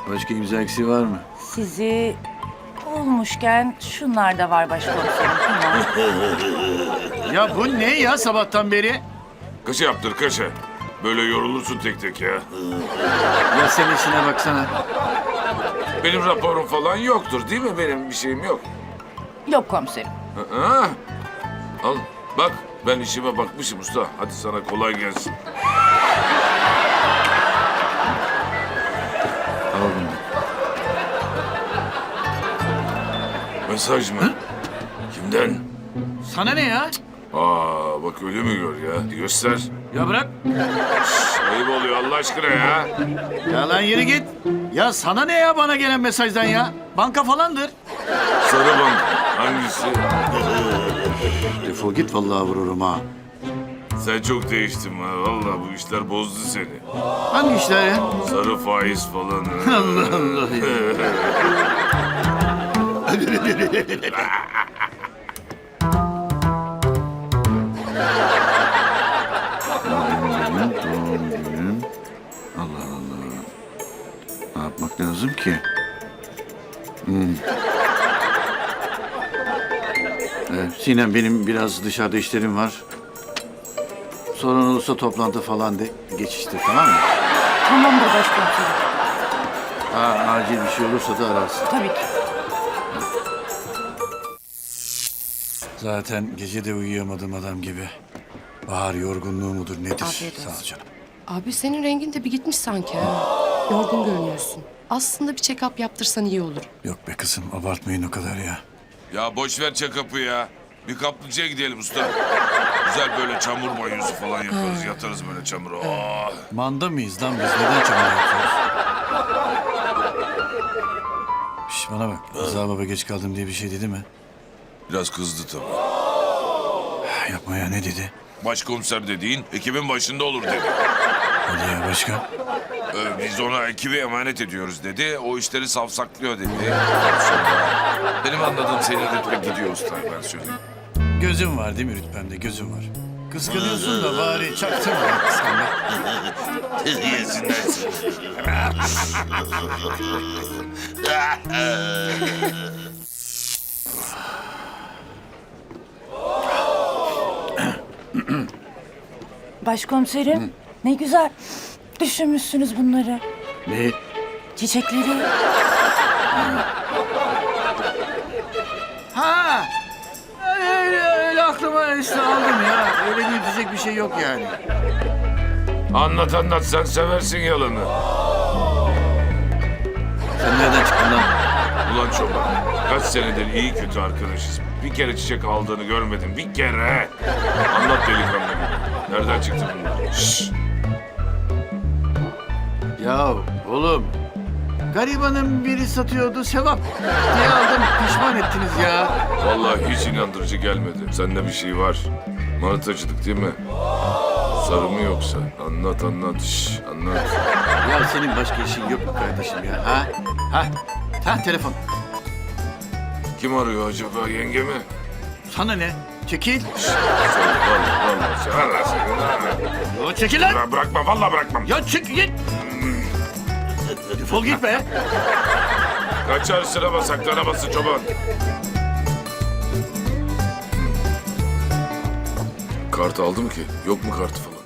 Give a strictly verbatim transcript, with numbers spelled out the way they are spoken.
Başka imza eksiği var mı? Sizi bulmuşken şunlar da var başkomiserim. Bunlar. Ya bu ne ya sabahtan beri? Kaça yaptır kaça. Böyle yorulursun tek tek ya. Ya sen işine baksana. Benim raporum falan yoktur değil mi? Benim bir şeyim yok. Yok komiserim. Ha? Al bak ben işime bakmışım usta. Hadi sana kolay gelsin. Al bunu. Mesaj mı? Kimden? Sana ne ya? Aa bak öyle mi gör ya? Göster. Ya bırak. Şş, ayıp oluyor Allah aşkına ya. Ya lan yürü git. Ya sana ne ya bana gelen mesajdan ya? Banka falandır. Sarı bank. Hangisi? Defol git vallahi vururum ha. Sen çok değiştin ha. Vallahi bu işler bozdu seni. Hangi işler ya? Sarı faiz falan. Allah Allah ya. Doğum günüm, doğum günüm. Allah Allah. Ne yapmak lazım ki? Hmm. Evet, Sinem benim biraz dışarıda işlerim var. Sorun olursa toplantı falan de geçiştir tamam mı? Tamamdır başkomiserim. Ha, acil bir şey olursa da ararsın. Tabii ki. Zaten gece de uyuyamadım adam gibi. Bahar yorgunluğu mudur nedir? Afiyet olsun. Sağ ol canım. Abi senin rengin de bir gitmiş sanki ha. Yorgun görünüyorsun. Aslında bir check-up yaptırsan iyi olur. Yok be kızım abartmayın o kadar ya. Ya boş ver check-up'ı ya. Bir kaplıcaya gidelim usta. Güzel böyle çamur banyosu falan yaparız. Yatarız böyle çamura. Oh. Manda mıyız lan biz? Neden çamur yapıyoruz? Şş bana bak. Rıza baba geç kaldım diye bir şey dedi mi? Biraz kızdı tabii. Yapma ya ne dedi? Başkomiser dediğin ekibin başında olur dedi. Hadi ya başka? Ee, biz ona ekibi emanet ediyoruz dedi. O işleri savsaklıyor dedi. Sonra benim anladığım senin rütbe gidiyor usta ben söyleyeyim. Gözüm var değil mi rütbemde gözüm var. Kıskanıyorsun da bari çaktırma ya kıskanma. Yesinler seni. Başkomiserim ne güzel düşünmüşsünüz bunları. Ne? Çiçekleri. Ha! Öyle, öyle aklıma işte aldım ya. Öyle büyütecek bir şey yok yani. Anlat anlat sen seversin yalanı. Sen nereden çıktın lan? Ulan çoban kaç senedir iyi kötü arkadaşız. Bir kere çiçek aldığını görmedim. Bir kere. Anlat delikanlı gibi. Nereden çıktı bunlar? Şşş. Ya oğlum. Garibanın biri satıyordu sevap diye aldım. Pişman ettiniz ya. Vallahi hiç inandırıcı gelmedi. Sende bir şey var. Manitacılık değil mi? Sarı mı yoksa? Anlat anlat. Şşş, anlat. Ya senin başka işin yok mu kardeşim ya? Ha? Ha? Ha telefon. Kim arıyor acaba yenge mi? Sana ne? Çekil. Söyle vallahi vallahi. Severler seni. Yo, çekil lan. Bıra- Bırakma vallahi bırakmam. Ya çık git. Defol git be. Kaçar sırama saklanamasın çoban. Kart aldım ki. Yok mu kartı falan?